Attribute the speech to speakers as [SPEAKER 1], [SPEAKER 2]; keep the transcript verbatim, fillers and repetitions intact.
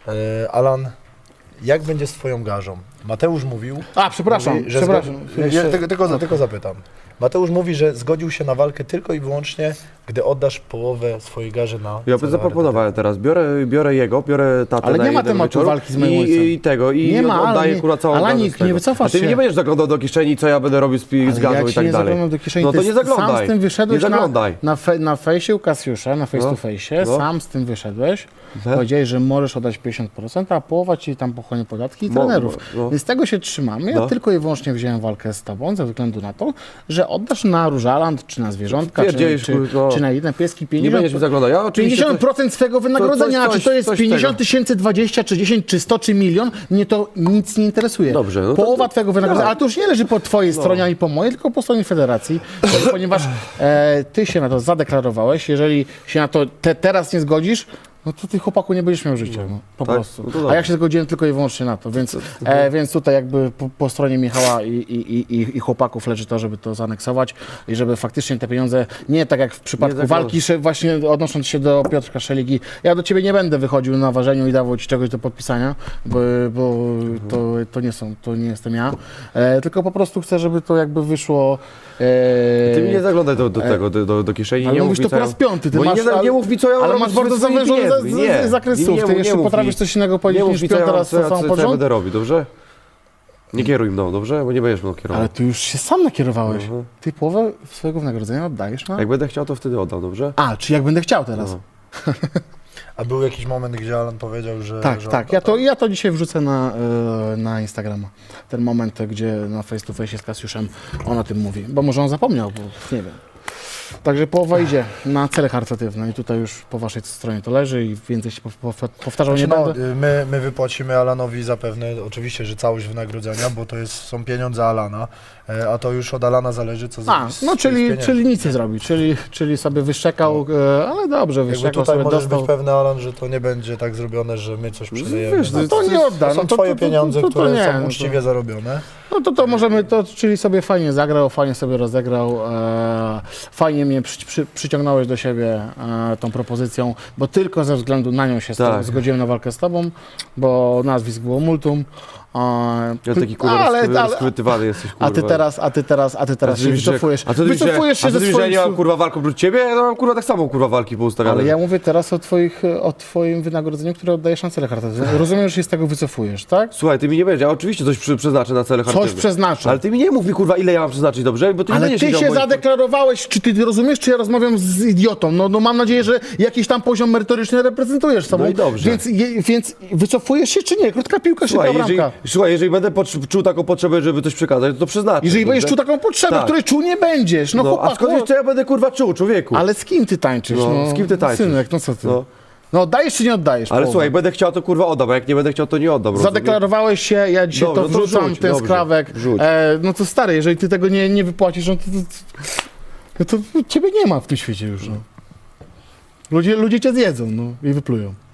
[SPEAKER 1] E, Alan, jak będzie z twoją garzą? Mateusz mówił...
[SPEAKER 2] A, przepraszam,
[SPEAKER 1] mówi, że
[SPEAKER 2] przepraszam.
[SPEAKER 1] Zgodzi... Ja, tylko, tylko, tylko zapytam. Mateusz mówi, że zgodził się na walkę tylko i wyłącznie, gdy oddasz połowę swojej garzy na...
[SPEAKER 3] Ja bym zaproponowałem teraz, biorę, biorę jego, biorę tatę
[SPEAKER 2] Ale
[SPEAKER 3] na
[SPEAKER 2] nie ma
[SPEAKER 3] jeden
[SPEAKER 2] tematu
[SPEAKER 3] wieczór
[SPEAKER 2] walki z moim
[SPEAKER 3] i,
[SPEAKER 2] ojcem.
[SPEAKER 3] i tego, i
[SPEAKER 2] Nie ma,
[SPEAKER 3] oddaję
[SPEAKER 2] ale
[SPEAKER 3] kurwa całą
[SPEAKER 2] nie-
[SPEAKER 3] garzę
[SPEAKER 2] Alanik,
[SPEAKER 3] z tego.
[SPEAKER 2] nie wycofasz
[SPEAKER 3] A ty mi
[SPEAKER 2] się.
[SPEAKER 3] nie będziesz zaglądał do kieszeni, co ja będę robił z, pi- z
[SPEAKER 2] Ale
[SPEAKER 3] gazu
[SPEAKER 2] ja
[SPEAKER 3] i
[SPEAKER 2] ci
[SPEAKER 3] tak
[SPEAKER 2] nie
[SPEAKER 3] dalej.
[SPEAKER 2] zaglądam do kieszeni,
[SPEAKER 3] No to
[SPEAKER 2] ty
[SPEAKER 3] nie
[SPEAKER 2] sam
[SPEAKER 3] zaglądaj.
[SPEAKER 2] z tym wyszedłeś
[SPEAKER 3] Nie
[SPEAKER 2] na,
[SPEAKER 3] zaglądaj.
[SPEAKER 2] na, fe, na fejsie u Kasiusza, na face
[SPEAKER 3] No.
[SPEAKER 2] to face,
[SPEAKER 3] No.
[SPEAKER 2] sam z tym wyszedłeś,
[SPEAKER 3] No.
[SPEAKER 2] powiedziałeś, że możesz oddać pięćdziesiąt procent, a połowa ci tam pochłonie podatki i
[SPEAKER 3] Mo-
[SPEAKER 2] trenerów.
[SPEAKER 3] no.
[SPEAKER 2] Więc tego się trzymamy. Ja
[SPEAKER 3] No.
[SPEAKER 2] tylko i wyłącznie wziąłem walkę z tobą ze względu na to, że oddasz na Różaland, czy na zwierzątka, czy,
[SPEAKER 3] Pierdzielisz,
[SPEAKER 2] czy,
[SPEAKER 3] kurwa.
[SPEAKER 2] czy na inne pieski
[SPEAKER 3] Nie
[SPEAKER 2] pięćdziesiąt
[SPEAKER 3] będziesz mi zaglądał. Ja oczywiście
[SPEAKER 2] pięćdziesiąt procent swego wynagrodzenia,
[SPEAKER 3] coś-
[SPEAKER 2] czy to jest
[SPEAKER 3] coś
[SPEAKER 2] pięćdziesiąt
[SPEAKER 3] tego.
[SPEAKER 2] tysięcy, dwadzieścia, czy dziesięć, czy sto, czy milion, mnie to nic nie interesuje.
[SPEAKER 3] Dobrze, no to-
[SPEAKER 2] Połowa
[SPEAKER 3] to-
[SPEAKER 2] twojego wynagrodzenia,
[SPEAKER 3] tak.
[SPEAKER 2] ale to już nie leży po twojej stronie, ani po mojej, tylko po stronie federacji, ponieważ e, ty się na to zadeklarowałeś, jeżeli się na to te, teraz nie zgodzisz, no to ty, chłopaku, nie będziesz miał życia, no, po
[SPEAKER 3] tak?
[SPEAKER 2] prostu.
[SPEAKER 3] No to
[SPEAKER 2] A
[SPEAKER 3] dobrze.
[SPEAKER 2] ja się zgodziłem tylko i wyłącznie na to, więc, e, więc tutaj jakby po, po stronie Michała i, i, i, i chłopaków leży to, żeby to zaaneksować i żeby faktycznie te pieniądze, nie tak jak w przypadku
[SPEAKER 3] zaglądać.
[SPEAKER 2] walki, że właśnie odnosząc się do Piotrka Szeligi, ja do ciebie nie będę wychodził na ważeniu i dawał ci czegoś do podpisania, bo, bo to, to nie są, to nie jestem ja, e, tylko po prostu chcę, żeby to jakby wyszło. E,
[SPEAKER 3] Ty mi nie zaglądaj do, do tego, do, do, do kieszeni.
[SPEAKER 2] ale
[SPEAKER 3] nie
[SPEAKER 2] mówisz
[SPEAKER 3] mów mi,
[SPEAKER 2] to
[SPEAKER 3] co
[SPEAKER 2] po
[SPEAKER 3] ja-
[SPEAKER 2] raz piąty, ty
[SPEAKER 3] bo
[SPEAKER 2] masz,
[SPEAKER 3] nie,
[SPEAKER 2] ale-
[SPEAKER 3] nie mów mi, co ja
[SPEAKER 2] ale
[SPEAKER 3] mam
[SPEAKER 2] masz
[SPEAKER 3] robić
[SPEAKER 2] bardzo
[SPEAKER 3] ze swoimi
[SPEAKER 2] zawyżony za-
[SPEAKER 3] pieniędzmi.
[SPEAKER 2] za-
[SPEAKER 3] Nie.
[SPEAKER 2] zakres
[SPEAKER 3] Nie,
[SPEAKER 2] słów.
[SPEAKER 3] nie
[SPEAKER 2] Ty
[SPEAKER 3] mów-
[SPEAKER 2] jeszcze
[SPEAKER 3] nie mów
[SPEAKER 2] potrafisz
[SPEAKER 3] mi.
[SPEAKER 2] coś innego powiedzieć
[SPEAKER 3] Nie mów
[SPEAKER 2] niż
[SPEAKER 3] mi, co
[SPEAKER 2] piąty
[SPEAKER 3] ja,
[SPEAKER 2] raz
[SPEAKER 3] co, ja,
[SPEAKER 2] to
[SPEAKER 3] co,
[SPEAKER 2] samo
[SPEAKER 3] co ja
[SPEAKER 2] porządku.
[SPEAKER 3] będę robił, dobrze? Nie kieruj mną, dobrze? Bo nie będziesz mną kierował.
[SPEAKER 2] Ale ty już się sam nakierowałeś.
[SPEAKER 3] Mhm.
[SPEAKER 2] Ty połowę swojego wynagrodzenia oddajesz na...
[SPEAKER 3] Jak będę chciał, to wtedy oddam, dobrze?
[SPEAKER 2] A, czy jak będę chciał teraz.
[SPEAKER 3] No.
[SPEAKER 1] A był jakiś moment, gdzie Alan powiedział, że...
[SPEAKER 2] Tak,
[SPEAKER 1] że
[SPEAKER 2] tak. Ja to, ja to dzisiaj wrzucę na, e, na Instagrama. Ten moment, gdzie na face to face z Kasiuszem on o tym mówi. Bo może on zapomniał, bo nie wiem. Także połowa idzie na cele charytatywne i tutaj już po waszej stronie to leży i więcej się po- po- powtarzał
[SPEAKER 1] Znaczy,
[SPEAKER 2] nie
[SPEAKER 1] no,
[SPEAKER 2] będę.
[SPEAKER 1] y, my, my wypłacimy Alanowi zapewne, oczywiście, że całość wynagrodzenia, bo to jest, są pieniądze Alana, e, a to już od Alana zależy, co
[SPEAKER 2] A,
[SPEAKER 1] zrobić z
[SPEAKER 2] no
[SPEAKER 1] tych
[SPEAKER 2] czyli,
[SPEAKER 1] pieniędzy.
[SPEAKER 2] czyli nic nie zrobi, czyli, czyli sobie wyszczekał, e, ale dobrze,
[SPEAKER 1] Jakby
[SPEAKER 2] wyszczekał
[SPEAKER 1] tutaj
[SPEAKER 2] sobie,
[SPEAKER 1] możesz
[SPEAKER 2] dostał.
[SPEAKER 1] być pewny, Alan, że to nie będzie tak zrobione, że my coś przydajemy.
[SPEAKER 3] wiesz,
[SPEAKER 1] na
[SPEAKER 2] No to
[SPEAKER 1] to.
[SPEAKER 2] nie odda.
[SPEAKER 1] To są
[SPEAKER 2] no to,
[SPEAKER 1] twoje
[SPEAKER 2] to, to,
[SPEAKER 1] pieniądze,
[SPEAKER 2] to, to, to
[SPEAKER 1] które
[SPEAKER 2] nie,
[SPEAKER 1] są
[SPEAKER 2] no to-
[SPEAKER 1] uczciwie zarobione.
[SPEAKER 2] No to to możemy, to, czyli sobie fajnie zagrał, fajnie sobie rozegrał, e, fajnie mnie przy, przy, przyciągnąłeś do siebie e, tą propozycją, bo tylko ze względu na nią się z tobą
[SPEAKER 3] Tak.
[SPEAKER 2] zgodziłem na walkę z tobą, bo nazwisk było multum. E,
[SPEAKER 3] Ja taki kurwa
[SPEAKER 2] ale,
[SPEAKER 3] ale,
[SPEAKER 2] ale,
[SPEAKER 3] rozchwytywany jesteś, kurwa.
[SPEAKER 2] a ty teraz, a ty teraz, a ty teraz
[SPEAKER 3] A ty
[SPEAKER 2] się
[SPEAKER 3] myślisz, że-
[SPEAKER 2] wycofujesz.
[SPEAKER 3] A co ty myślisz, że-
[SPEAKER 2] Wycofujesz się
[SPEAKER 3] a co
[SPEAKER 2] ze
[SPEAKER 3] ty myślisz, że ja
[SPEAKER 2] swoich
[SPEAKER 3] nie mam
[SPEAKER 2] słów.
[SPEAKER 3] kurwa walką prócz ciebie? Ja mam kurwa tak samo kurwa walki poustawiane.
[SPEAKER 2] Ale ja mówię teraz o, twoich, o twoim wynagrodzeniu, które oddajesz na cele charytatywne. Rozumiem, że się z tego wycofujesz, tak?
[SPEAKER 3] Słuchaj, ty mi nie będziesz, ja oczywiście coś przy, przeznaczę na cele
[SPEAKER 2] Coś
[SPEAKER 3] charytatywne.
[SPEAKER 2] przeznaczę.
[SPEAKER 3] Ale ty mi nie mów mi kurwa, ile ja mam przeznaczyć, dobrze? Bo ty nie
[SPEAKER 2] Ale
[SPEAKER 3] będziesz
[SPEAKER 2] ty
[SPEAKER 3] siedział
[SPEAKER 2] się
[SPEAKER 3] w moim-
[SPEAKER 2] zadeklarowałeś, czy ty rozumiesz, czy ja rozmawiam z idiotą? No, no mam nadzieję, że jakiś tam poziom merytoryczny reprezentujesz sobą.
[SPEAKER 3] No i dobrze.
[SPEAKER 2] Więc, je, więc wycofujesz się, czy nie? Krótka piłka, szybka
[SPEAKER 3] Słuchaj, jeżeli,
[SPEAKER 2] bramka.
[SPEAKER 3] słuchaj, jeżeli będę pocz- czuł taką potrzebę, żeby coś przekazać, to to przeznaczę.
[SPEAKER 2] Jeżeli będziesz
[SPEAKER 3] dobrze?
[SPEAKER 2] czuł taką potrzebę,
[SPEAKER 3] Tak.
[SPEAKER 2] której czuł nie będziesz, no,
[SPEAKER 3] No,
[SPEAKER 2] chłopaku,
[SPEAKER 3] a skąd wiesz, co ja będę kurwa czuł, człowieku?
[SPEAKER 2] ale z kim ty tańczysz?
[SPEAKER 3] No,
[SPEAKER 2] No,
[SPEAKER 3] z kim ty tańczysz?
[SPEAKER 2] Synek, no co ty? No,
[SPEAKER 3] No.
[SPEAKER 2] oddajesz czy nie oddajesz?
[SPEAKER 3] Ale
[SPEAKER 2] połowę?
[SPEAKER 3] słuchaj, będę chciał, to kurwa oddam, a jak nie będę chciał, to nie oddam. rozumiesz?
[SPEAKER 2] Zadeklarowałeś się, ja dzisiaj
[SPEAKER 3] Dobrze,
[SPEAKER 2] to
[SPEAKER 3] to
[SPEAKER 2] wrzucam,
[SPEAKER 3] wrzuć,
[SPEAKER 2] ten
[SPEAKER 3] dobrze,
[SPEAKER 2] skrawek.
[SPEAKER 3] wrzuć.
[SPEAKER 2] E, no to stary, jeżeli ty tego nie, nie wypłacisz, no to, to, to, to ciebie nie ma w tym świecie już. No. Ludzie, ludzie cię zjedzą no, i wyplują.